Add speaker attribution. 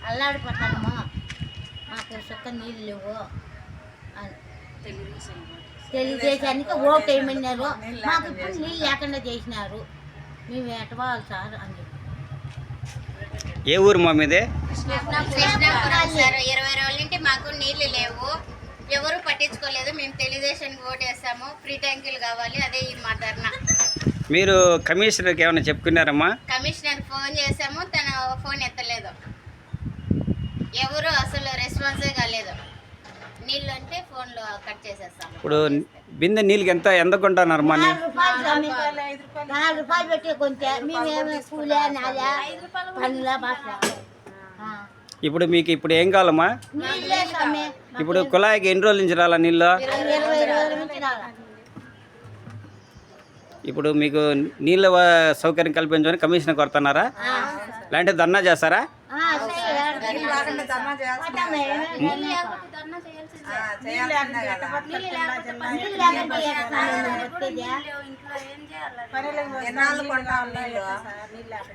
Speaker 1: అల్లాడిపోతాము, మాకు సుక్క నీళ్ళు లేవు అని తెలుగుదేశానికి ఓటు వేయమన్నారు. మాకు ఇప్పుడు నీళ్ళు లేకుండా చేసినారు, మేము ఎటవాలి సార్ అని చెప్పి.
Speaker 2: ఏ ఊరు మా మీదే?
Speaker 3: కృష్ణాపురం సార్. 20 రోజుల నుండి మాకు నీళ్లు లేవు, ఎవరు పట్టించుకోలేదు. మేము తెలుగుదేశానికి ఓటు వేస్తాము, ఫ్రీ ట్యాంకులు కావాలి, అదే ఈ మా ధర్నా.
Speaker 2: మీరు కమిషనర్కి ఏమైనా చెప్పుకున్నారమ్మా?
Speaker 3: కమిషనర్ ఫోన్ చేసాము, తన ఫోన్ ఎత్తలేదు, ఎవరు అసలు రెస్పాన్సే కాలేదు. నీళ్ళు అంటే ఫోన్లో కట్ చేసేస్తాము.
Speaker 2: ఇప్పుడు బిందె నీళ్ళకి ఎంత కొంటున్నారమ్మా?
Speaker 1: 4 రూపాయలు స్వామి, 4 రూపాయలు పెట్టి కొంటే మేమేమి కూలే నాలా పనులా భాష.
Speaker 2: ఇప్పుడు మీకు ఇప్పుడు ఏం కావాలమ్మా?
Speaker 1: నీళ్ళే స్వామి,
Speaker 2: ఇప్పుడు కుళాయికి ఎన్ని రోజుల నుంచి రాలా నీళ్ళు?
Speaker 1: 20 రోజుల నుంచి రాలా.
Speaker 2: ఇప్పుడు మీకు నీళ్ళ సౌకర్యం కల్పించమని కమిషనర్ కొడుతున్నారా? లేదంటే ధర్నా చేస్తారా?
Speaker 1: నీళ్ళు